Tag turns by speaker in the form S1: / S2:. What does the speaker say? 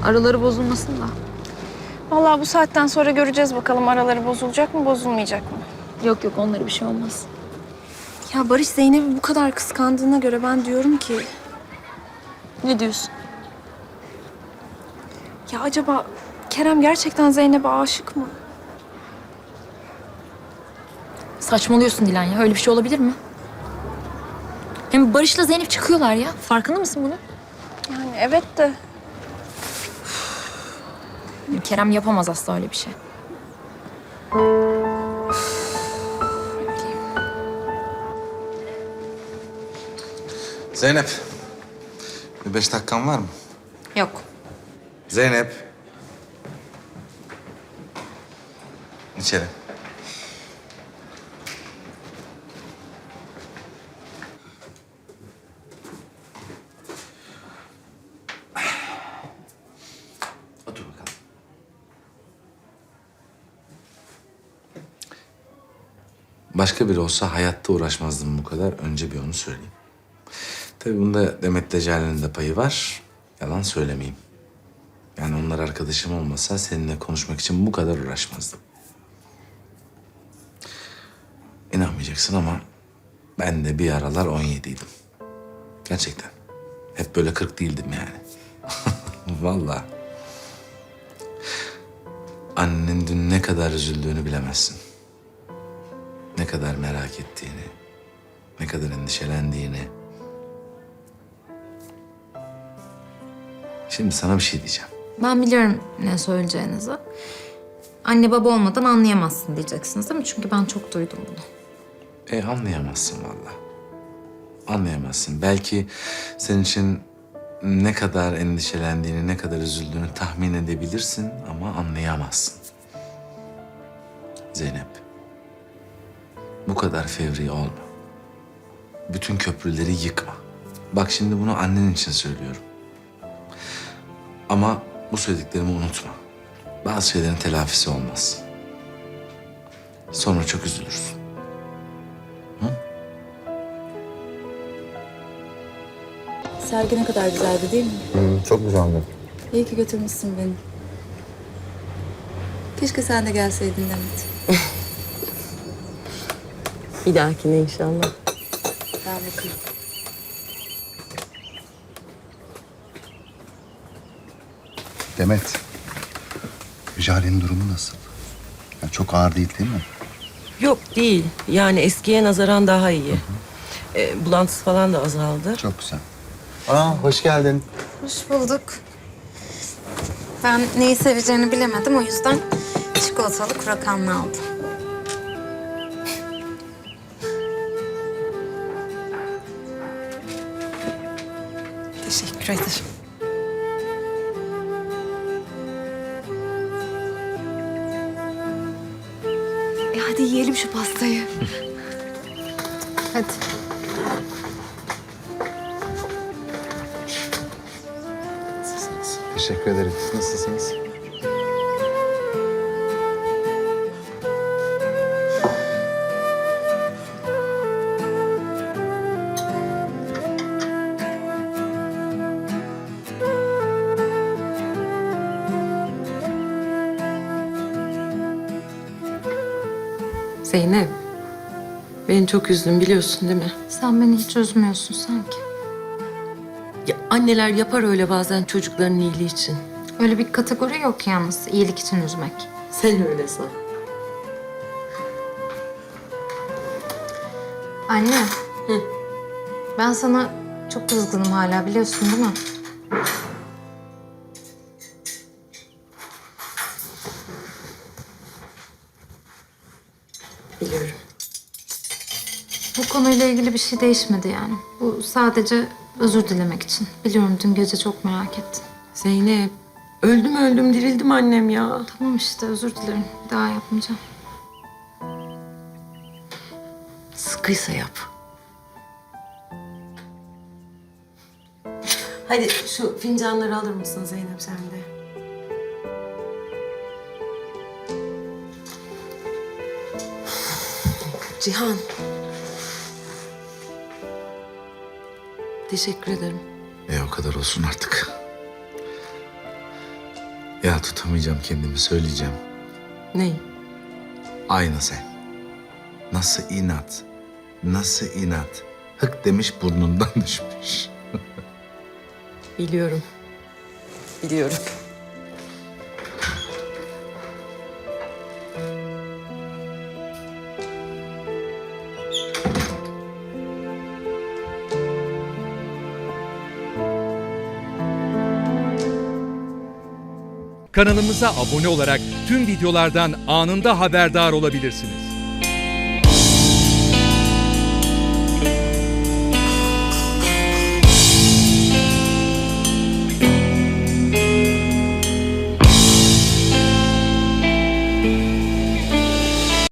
S1: Araları bozulmasın da.
S2: Vallahi bu saatten sonra göreceğiz bakalım araları bozulacak mı, bozulmayacak mı?
S1: Yok yok, onlara bir şey olmaz.
S2: Ya Barış Zeynep'i bu kadar kıskandığına göre ben diyorum ki...
S1: Ne diyorsun?
S2: Ya acaba Kerem gerçekten Zeynep'e aşık mı?
S1: Saçmalıyorsun Dilan ya. Öyle bir şey olabilir mi? Hem Barış'la Zeynep çıkıyorlar ya. Farkında mısın bunun?
S2: Yani evet de...
S1: Kerem yapamaz asla öyle bir şey.
S3: Zeynep. Bir 5 dakikan var mı?
S1: Yok.
S3: Zeynep. İçeri. Otur bakalım. Başka biri olsa hayatta uğraşmazdım bu kadar. Önce bir onu söyleyeyim. Tabii bunda Demet Deccali'nin de payı var. Yalan söylemeyeyim. Yani onlar arkadaşım olmasa seninle konuşmak için bu kadar uğraşmazdım. İnanmayacaksın ama ben de bir aralar 17'ydim. Gerçekten. Hep böyle 40 değildim yani. Vallahi. Annenin dün ne kadar üzüldüğünü bilemezsin. Ne kadar merak ettiğini, ne kadar endişelendiğini. Şimdi sana bir şey diyeceğim.
S1: Ben biliyorum ne söyleyeceğinizi. Anne baba olmadan anlayamazsın diyeceksiniz değil mi? Çünkü ben çok duydum bunu.
S3: Anlayamazsın vallahi. Anlayamazsın. Belki senin için ne kadar endişelendiğini, ne kadar üzüldüğünü tahmin edebilirsin ama anlayamazsın. Zeynep, bu kadar fevri olma. Bütün köprüleri yıkma. Bak şimdi bunu annen için söylüyorum. Ama bu söylediklerimi unutma. Bazı şeylerin telafisi olmaz. Sonra çok üzülürsün.
S4: Sergi ne kadar güzeldi değil mi?
S5: Çok güzeldi.
S4: İyi ki götürmüşsün beni. Keşke sen de gelseydin Demet.
S6: Bir dahakine inşallah.
S4: Ben bakayım.
S5: Demet, Jale'nin durumu nasıl? Ya çok ağır değil mi?
S6: Yok değil. Yani eskiye nazaran daha iyi. Bulantısı falan da azaldı.
S5: Çok güzel. Aa, hoş geldin.
S7: Hoş bulduk. Ben neyi seveceğini bilemedim. O yüzden çikolatalı kurakanlı aldım.
S4: Teşekkür ederim.
S7: Hadi yiyelim şu pastayı. Hadi.
S5: Teşekkür ederim. Nasılsınız?
S6: Zeynep, beni çok üzdün biliyorsun değil mi?
S1: Sen beni hiç üzmüyorsun sanki.
S6: Ya, anneler yapar öyle bazen çocukların iyiliği için.
S1: Öyle bir kategori yok yalnız. İyilik için üzmek.
S6: Sen öyle san.
S1: Anne. Ben sana çok kızgınım hala, biliyorsun değil mi?
S6: Biliyorum.
S1: Bu konuyla ilgili bir şey değişmedi yani. Bu sadece özür dilemek için. Biliyorum dün gece çok merak ettin.
S6: Zeynep, öldüm öldüm dirildim annem ya.
S1: Tamam işte, özür dilerim. Bir daha yapmayacağım.
S6: Sıkıysa yap. Hadi şu fincanları alır mısın Zeynep sen de? Cihan. Teşekkür ederim.
S3: O kadar olsun artık. Ya tutamayacağım kendimi, söyleyeceğim.
S6: Ney?
S3: Aynı sen. Nasıl inat? Nasıl inat? Hık demiş burnundan düşmüş.
S6: Biliyorum. Biliyorum.
S8: Kanalımıza abone olarak tüm videolardan anında haberdar olabilirsiniz.